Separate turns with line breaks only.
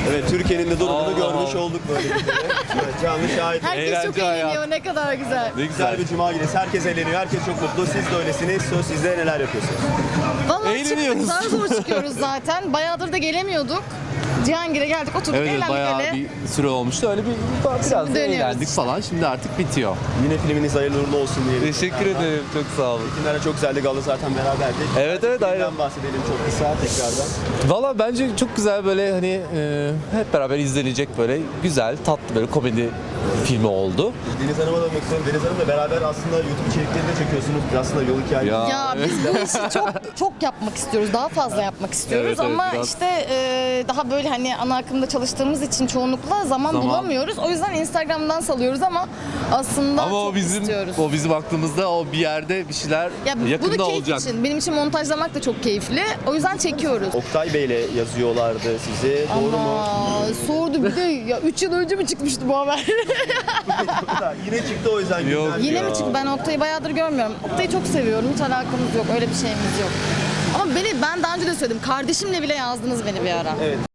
Evet, Türkiye'nin de durumunu görmüş olduk böyle bir kere. Evet, canlı şahit.
Herkes çok
Eğlence
eğleniyor. Ne kadar güzel.
Ne
Güzel bir cuma gecesi. Herkes eğleniyor, herkes çok mutlu. Siz de öylesiniz. Söz sizde, neler yapıyorsunuz?
Vallahi
Eğleniyoruz.
çıktık. Zar zor çıkıyoruz zaten. Bayağıdır da gelemiyorduk. Cihangir'e geldik, oturduk,
Evet,
eğlendik
bayağı
öyle.
bir süre olmuştu. Öyle bir biraz da
dönüyoruz
eğlendik
işte.
falan. Şimdi artık bitiyor.
Yine filminiz hayırlı uğurlu olsun diyelim.
Teşekkür ederim. Çok sağ olun.
Filmlere çok güzeldi. Gala zaten beraberdik.
Evet, evet, aynen.
Filmden bahsedelim çok kısa tekrardan.
Valla bence çok güzel böyle hani hep beraber izlenecek böyle güzel, tatlı böyle komedi filmi oldu.
Deniz Hanım'a da bakmak istiyorum. Deniz Hanım'la beraber aslında YouTube içerikleri de çekiyorsunuz. Aslında yol hikayesi.
Ya biz bu işi çok yapmak istiyoruz. Daha fazla yapmak istiyoruz
Evet, evet,
ama
biraz.
işte daha böyle hani ana akımda çalıştığımız için çoğunlukla zaman bulamıyoruz. O yüzden Instagram'dan salıyoruz ama aslında
Ama
çok istiyoruz.
o bizim aklımızda o bir yerde bir şeyler
Ya bunu
yakında
keyif
olacak.
için, benim için montajlamak da çok keyifli. O yüzden çekiyoruz.
Oktay Bey'le yazıyorlardı sizi. Doğru mu?
Ama sordu bir de ya 3 yıl önce mi çıkmıştı bu haber?
Yine çıktı o yüzden.
Yok.
güzel.
Yine mi çıktı? Ben Oktay'ı bayağıdır görmüyorum. Oktay'ı çok seviyorum. Hiç alakamız yok. Öyle bir şeyimiz yok. Ama ben daha önce de söyledim. Kardeşimle bile yazdınız beni bir ara.
Evet.